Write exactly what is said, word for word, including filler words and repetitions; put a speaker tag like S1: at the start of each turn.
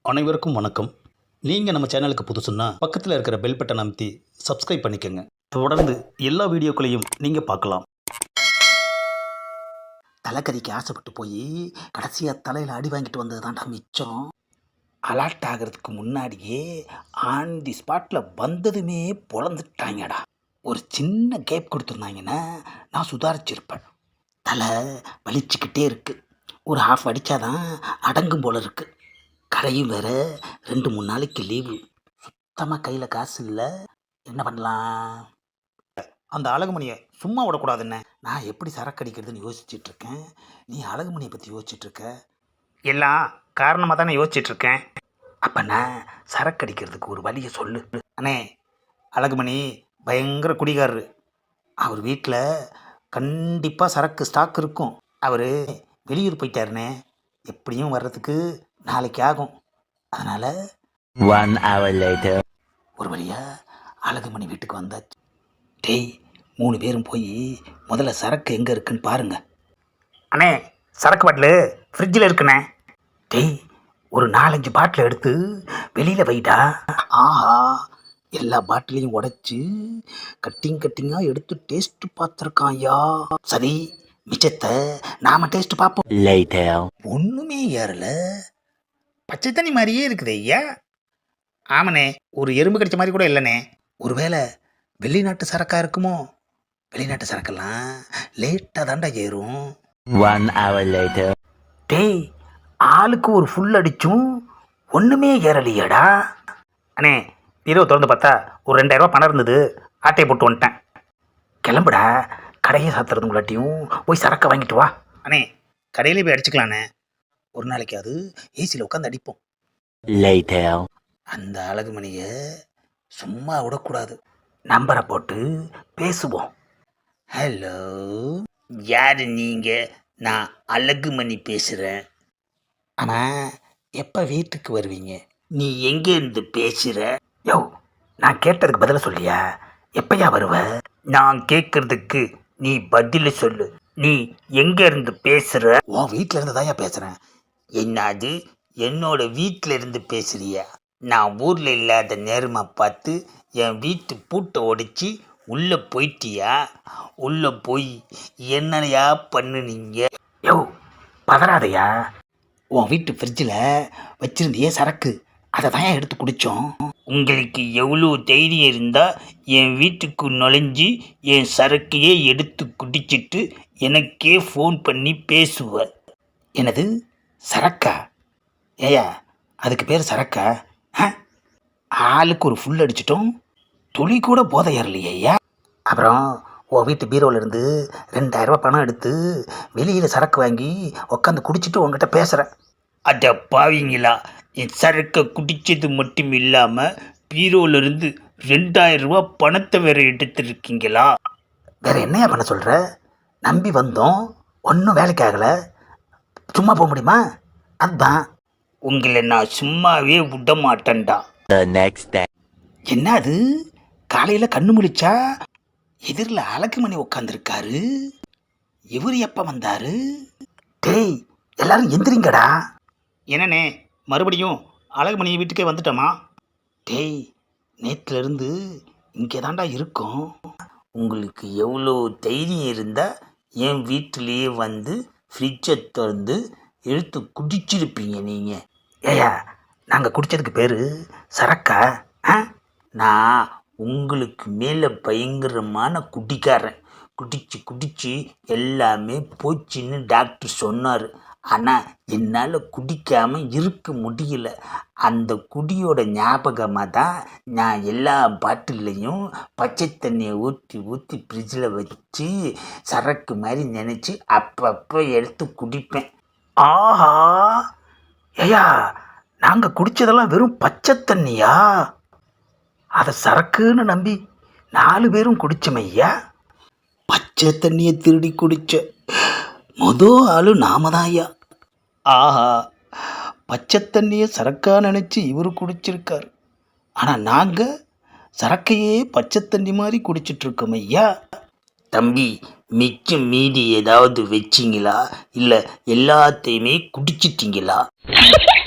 S1: அனைவருக்கும் வணக்கம். நீங்கள் நம்ம சேனலுக்கு புதுசுன்னா பக்கத்தில் இருக்கிற பெல் பட்டன் அமைத்தி சப்ஸ்கிரைப் பண்ணிக்கோங்க. தொடர்ந்து எல்லா வீடியோக்களையும் நீங்கள் பார்க்கலாம். தலைக்கறிக்கு ஆசைப்பட்டு போய் கடைசியாக தலையில் அடி வாங்கிட்டு வந்தது தான்டா மிச்சம். அலர்ட் ஆகிறதுக்கு முன்னாடியே ஆன் தி ஸ்பாட்டில் வந்ததுமே பொழந்துட்டாங்கடா. ஒரு சின்ன கேப் கொடுத்துருந்தாங்கன்னா நான் சுதாரிச்சிருப்பேன். தலை வலிச்சுக்கிட்டே இருக்குது. ஒரு ஹாஃப் அடித்தாதான் அடங்கும் போல இருக்குது. கடையும் வேறு ரெண்டு மூணு நாளைக்கு லீவு. சுத்தமாக கையில் காசு இல்லை. என்ன பண்ணலாம்? அந்த அழகுமணியை சும்மா விடக்கூடாதுன்னு நான் எப்படி சரக்கு அடிக்கிறதுன்னு யோசிச்சுட்ருக்கேன். நீ அழகுமணியை பற்றி யோசிச்சுட்ருக்க. எல்லாம் காரணமாக தானே யோசிச்சுட்ருக்கேன். அப்போ நான் சரக்கு அடிக்கிறதுக்கு ஒரு வழியை சொல்லு. அண்ணே, அழகுமணி பயங்கர குடிகாரரு. அவர் வீட்டில் கண்டிப்பாக சரக்கு ஸ்டாக் இருக்கும். அவர் வெளியூர் போயிட்டாருண்ணே. எப்படியும் வர்றதுக்கு நாளைக்கு ஆகும். அதனால்
S2: One hour later.
S1: ஒரு வழியாக அழகுமணி வீட்டுக்கு வந்தாச்சு. டேய், மூணு பேரும் போய் முதல்ல சரக்கு எங்கே இருக்குன்னு பாருங்க. அண்ணே, சரக்கு பாட்டிலு ஃப்ரிட்ஜில் இருக்குண்ணே. டேய், ஒரு நாலஞ்சு பாட்டில் எடுத்து வெளியில் வைடா. ஆஹா, எல்லா பாட்டிலையும் உடைச்சி கட்டிங் கட்டிங்காக எடுத்து டேஸ்ட்டு பார்த்துருக்கான் ஐயா. சரி, மிச்சத்தை நாம் டேஸ்ட்டு பார்ப்போம்.
S2: Later.
S1: ஒன்றுமே ஏறல. பச்சை தண்ணி மாதிரியே இருக்குது ஐயா. ஆமாண்ணே, ஒரு எறும்பு கடிச்ச மாதிரி கூட இல்லைண்ணே. ஒருவேளை வெளிநாட்டு சரக்காக இருக்குமோ? வெளிநாட்டு சரக்கெல்லாம் லேட்டாக தாண்டா ஏறும்.
S2: One hour later.
S1: டேய், ஆளுக்கு ஒரு ஃபுல் அடிச்சும் ஒன்றுமே ஏறலையாடா. அண்ணே, இரவு திறந்து பார்த்தா ஒரு ரெண்டாயிரரூவா பணம் இருந்தது. ஆட்டையை போட்டு வந்துட்டேன். கிளம்புடா, கடையை சாத்துறதுங்களாட்டியும் போய் சரக்கை வாங்கிட்டு வா. அண்ணே, கடையிலே போய் அடிச்சுக்கலாண்ணே. ஒரு நாளைக்கு அது ஏசியில் உட்காந்து அடிப்போம்.
S2: Later.
S1: அந்த அழகுமணியை சும்மா விடக்கூடாது. நம்பரை போட்டு பேசுவோம். ஹலோ, யார் நீங்கள்? நான் அழகுமணி பேசுகிறேன். ஆனால் எப்போ வீட்டுக்கு வருவீங்க? நீ எங்கேருந்து பேசுகிற? யோ, நான் கேட்டதுக்கு பதில சொல்லியா? எப்பயா வருவ? நான் கேட்கறதுக்கு நீ பதில் சொல்லு. நீ எங்கேருந்து பேசுகிற? உன் வீட்டில் இருந்து தான்யா பேசுகிறேன். என்னது, என்னோட வீட்டில் இருந்து பேசுறியா? நான் ஊரில் இல்லாத நேரமாக பார்த்து என் வீட்டு பூட்டை உடைச்சி உள்ளே போயிட்டியா? உள்ளே போய் என்னையா பண்ணுனீங்க? யோ, பதறாதையா. உன் வீட்டு ஃப்ரிட்ஜில் வச்சுருந்தியே சரக்கு, அதை தான் எடுத்து குடித்தோம். உங்களுக்கு எவ்வளோ தைரியம் இருந்தால் என் வீட்டுக்கு நுழைஞ்சி என் சரக்கையே எடுத்து குடிச்சிட்டு எனக்கே ஃபோன் பண்ணி பேசுவ. எனது சரக்கா? ஏயா, அதுக்கு பேர் சரக்கா? ஆ, ஆளுக்கு ஒரு ஃபுல் அடிச்சிட்டோம். துளி கூட போதை ஏறலையா? அப்புறம் உன் வீட்டு பீரோவிலேருந்து ரெண்டாயிரரூபா பணம் எடுத்து வெளியில் சரக்கு வாங்கி உட்காந்து குடிச்சிட்டு உங்ககிட்ட பேசுகிறேன். அட பாவீங்களா, என் சரக்கை குடித்தது மட்டும் இல்லாமல் பீரோவிலேருந்து ரெண்டாயிரம் ரூபா பணத்தை வேறு எடுத்துருக்கீங்களா? வேறு என்னையா பண்ண சொல்கிற? நம்பி வந்தோம், ஒன்றும் வேலைக்கு ஆகலை. சும்மா போக முடியுமா? அதுதான். உங்களை நான் சும்மாவே விட மாட்டேன்டா.
S2: The next day.
S1: என்ன அது, காலையில் கண்ணு முழிச்சா எதிரில் அழகுமணி உட்காந்துருக்காரு. இவர் எப்போ வந்தாரு? டேய், எல்லாரும் எந்திரிங்கடா. என்னண்ணே, மறுபடியும் அழகுமணி வீட்டுக்கே வந்துட்டோமா? டேய், நேற்றுலேருந்து இங்கே தாண்டா இருக்கோம். உங்களுக்கு எவ்வளோ தைரியம் இருந்தால் என் வீட்டிலேயே வந்து ஃப்ரிட்ஜை திறந்து எடுத்து குடிச்சிருப்பீங்க நீங்கள். ஏயா, நாங்கள் குடித்ததுக்கு பேர் சரக்கா? ஆ, நான் உங்களுக்கு மேலே பயங்கரமான குடிக்காரன். குடிச்சு குடிச்சு எல்லாமே போச்சுன்னு டாக்டர் சொன்னார். ஆனால் என்னால் குடிக்காமல் இருக்க முடியல. அந்த குடியோட ஞாபகமாக தான் நான் எல்லா பாட்டிலையும் பச்சை தண்ணியை ஊற்றி ஊற்றி ஃப்ரிட்ஜில் வச்சு சரக்கு மாதிரி நினச்சி அப்பப்போ எடுத்து குடிப்பேன். ஆஹா, ஐயா, நாங்கள் குடித்ததெல்லாம் வெறும் பச்சை தண்ணியா? அதை சரக்குன்னு நம்பி நாலு பேரும் குடித்தோமையா. பச்சை தண்ணியை திருடி குடித்த மொதல் ஆளு நாம தான் ஐயா. ஆஹா, பச்சை தண்ணியை சரக்காக நினச்சி இவர் குடிச்சிருக்கார். ஆனால் நாங்கள் சரக்கையே பச்சை தண்ணி மாதிரி குடிச்சிட்ருக்கோம் ஐயா. தம்பி, மிச்சம் மீதி ஏதாவது வச்சிங்களா? இல்லை எல்லாத்தையுமே குடிச்சிட்டிங்களா?